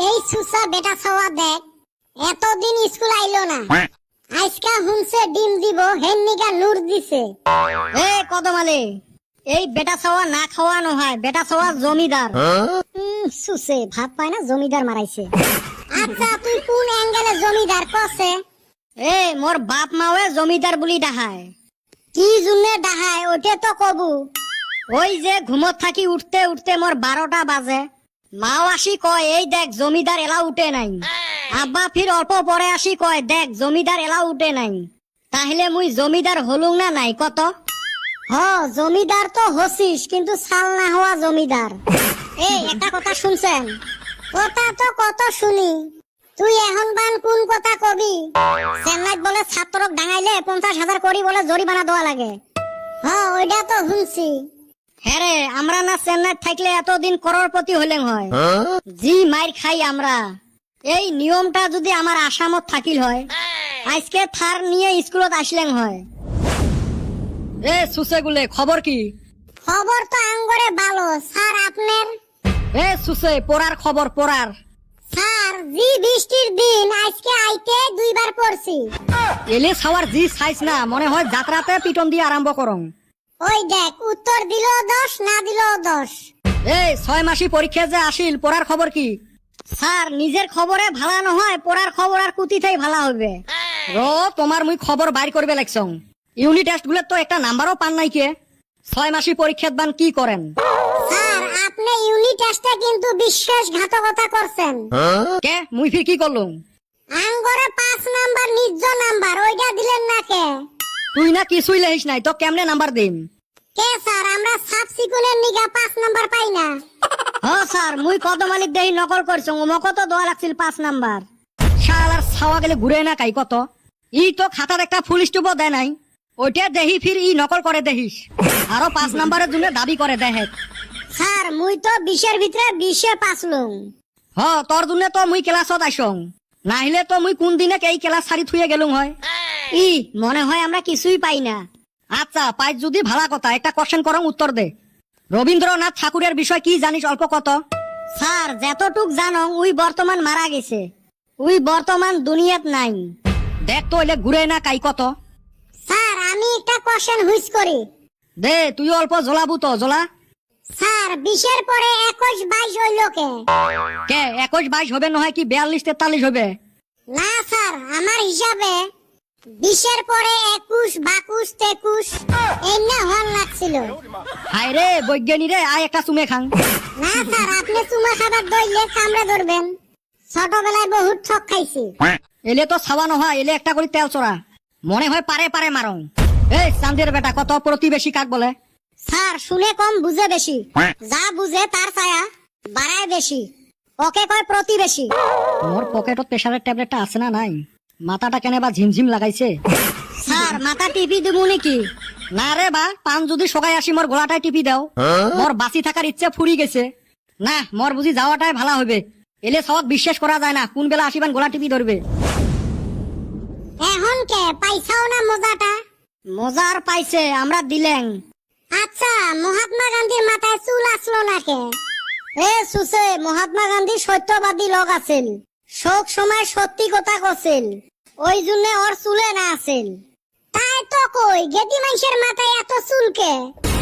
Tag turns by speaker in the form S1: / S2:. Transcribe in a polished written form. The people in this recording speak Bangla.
S1: এই সুসা বেটা ছাওয়া দেখ এতদিন স্কুল আইলো না আজকা হুনছে ডিম দিব হেন্নিকা নূর দিছে।
S2: এ কদমালে এই বেটা ছাওয়া না খাওয়ানো হয়, বেটা ছাওয়া জমিদার।
S1: সুসে ভাত পায় না জমিদার মারাইছে। আচ্ছা তুই কোন অ্যাঙ্গেলে জমিদার কছে?
S2: এ মোর বাপ মাওয়ে জমিদার বুলি ডাহায়।
S1: কি জুনে ডাহায় ওটা তো কবু।
S2: ওই যে ঘুমত থাকি উঠতে উঠতে মোর 12টা বাজে, মাও আসি কয় এই দেখ জমিদার এলা উঠে নাই। আব্বা ফির অল্প পরে আসি কয় দেখ জমিদার এলা উঠে নাই। তাহলে মুই জমিদার হলুং না নাই কত?
S1: হ জমিদার তো হসিস কিন্তু সাল না হওয়া জমিদার। এই একটা কথা শুনছেন? কথা তো কত শুনি, তুই এখন বান কোন কথা কবি? চেন্নাইত বলে ছাত্রক ডাঙাইলে 50,000 করি বলে জরিমানা দেওয়া লাগে। হ্যাঁ ওইটা তো শুনছি।
S2: হ্যাঁ রে, আমরা না চেন্নাই থাকলে এতদিন করোড়পতি হলেন হয়। জি মাইর খাই আমরা। এই নিয়মটা যদি আমার আসামত থাকিল হয় আজকে থার নিয়ে স্কুলত আসলেন হয়। এ সুসেগুলে খবর কি?
S1: খবর তো আঙ্গরে ভালো স্যার আপনার?
S2: এ সুসে পড়ার খবর পড়ার।
S1: স্যার জি বৃষ্টির দিন আজকে আইতে দুইবার পড়ছি।
S2: এলে ছাওয়ার জি সাইজ না মনে হয় যাত্রাতে পিটন দিয়ে আরম্ভ করং।
S1: ওই দেখ উত্তর দিল 10 না দিল 10।
S2: এই 6 মাসি পরীক্ষা যে আসিল পড়ার খবর কি? স্যার নিজের খবরে ভালা নহয়, পড়ার খবর আর কুতিতেই ভালা হবে। তোমার মুই খবর বাইর করবে লাগছং। ইউনিট টেস্ট গুলো তো একটা নাম্বারও পান নাই কে? 6 মাসি পরীক্ষাত বান কি করেন?
S1: স্যার আপনি ইউনিট টেস্টে কিন্তু বিশ্বাসঘাতকতা করছেন।
S2: কে মুই ফির কি করলুম?
S1: আঙ্গরে 5 নাম্বার নিজ নাম্বার ওইটা দিলেন না কে?
S2: তুই না কিছুই লেখিস নাই তো কেমনে নাম্বার দিম?
S1: কে স্যার আমরা সাব সিকুনের নিগা 5 নাম্বার পাই না।
S2: হ্যাঁ স্যার মুই কদমালিক দেহি নকল করছং, মক তো দোয়া লাগছিল 5 নাম্বার। শালার ছাওয়া গেলে ঘুরে না কাই কত। ই তো খাতার একটা ফুল স্টপও দেয় নাই, ওইটা দেহি ফির ই নকল করে দেহিস আরো 5 নাম্বারের জন্য দাবি করে দেহে।
S1: স্যার মুই তো 20 এর ভিতরে 20 এ পাস লং।
S2: হ তোর জন্য তো মুই ক্লাসত আইসং, নাহিলে তো মুই কোন দিনে এই ক্লাস ছাড়ি থুয়ে গেলুম হয়।
S1: ই মনে হয় আমরা কিছুই পাই না।
S2: আচ্ছা পাই যদি ভালা কথা একটা কোশ্চেন করং উত্তর দে। রবীন্দ্রনাথ ঠাকুরের বিষয় কি জানিস অল্প কত?
S1: স্যার যতটুক জানং উই বর্তমান মারা গেছে, উই বর্তমান দুনিয়াত নাই।
S2: দেখ তো এলে ঘুরে না কাই কত।
S1: স্যার আমি একটা কোশ্চেন হুইস করি।
S2: দে তুই অল্প জ্বলাবু তো জ্বলা।
S1: স্যার 20 এর পরে 21 22 হইল কে?
S2: কে 21 22 হবে নহয় কি 42 43 হবে?
S1: না স্যার আমার হিসাবে 20 এর পরে 21 22 23 এই না হল লাগছিল।
S2: হায় রে বৈজ্ঞানী রে, আয় একটা চুমে খাং।
S1: না স্যার আপনি চুমা খাবার দইলে কামড়ে ধরবেন। ছোটবেলায় বহুত ঠক খাইছি।
S2: এলে তো ছাওয়া নহয়, এলে একটা করে তেল চড়া মনে হয় পারে পারে মারং। এই চান্দের বেটা কত প্রতিবেশী কাক বলে?
S1: স্যার শুনে কম বুঝে বেশি, যা বুঝে তার ছায়া বাড়ায় বেশি, ওকে কয় প্রতিবেশী।
S2: মোর পকেটত প্রেসারের ট্যাবলেটটা আছে না নাই? মাথাটা কেনে বা ঝিমঝিম লাগাইছে।
S1: স্যার মাথা টিপি দেবো নাকি?
S2: না রে বা, পান যদি সকাই আসি মোর গোলাটাই টিপি দাও। মোর বাঁচি থাকার ইচ্ছে ফুরি গেছে। না মোর বুঝি যাওয়াটাই ভালো হবে। এলে সব বিশ্বাস করা যায় না কোন বেলা আসিবান গোলা টিপি ধরবে।
S1: এখন কে পাইছাও না মজাটা?
S2: মজার পাইছে আমরা দিলেন।
S1: আচ্ছা মহাত্মা গান্ধীর মাথায় চুল আসলো না কে?
S2: এ সুসে মহাত্মা গান্ধী সত্যবাদী লোক আছেন, শোক সময় সত্যি কথা কছেন, ওই জন্য ওর চুলে না আছেন।
S1: তাই তো কই গেদি মানুষের মাথায় এত চুল কে?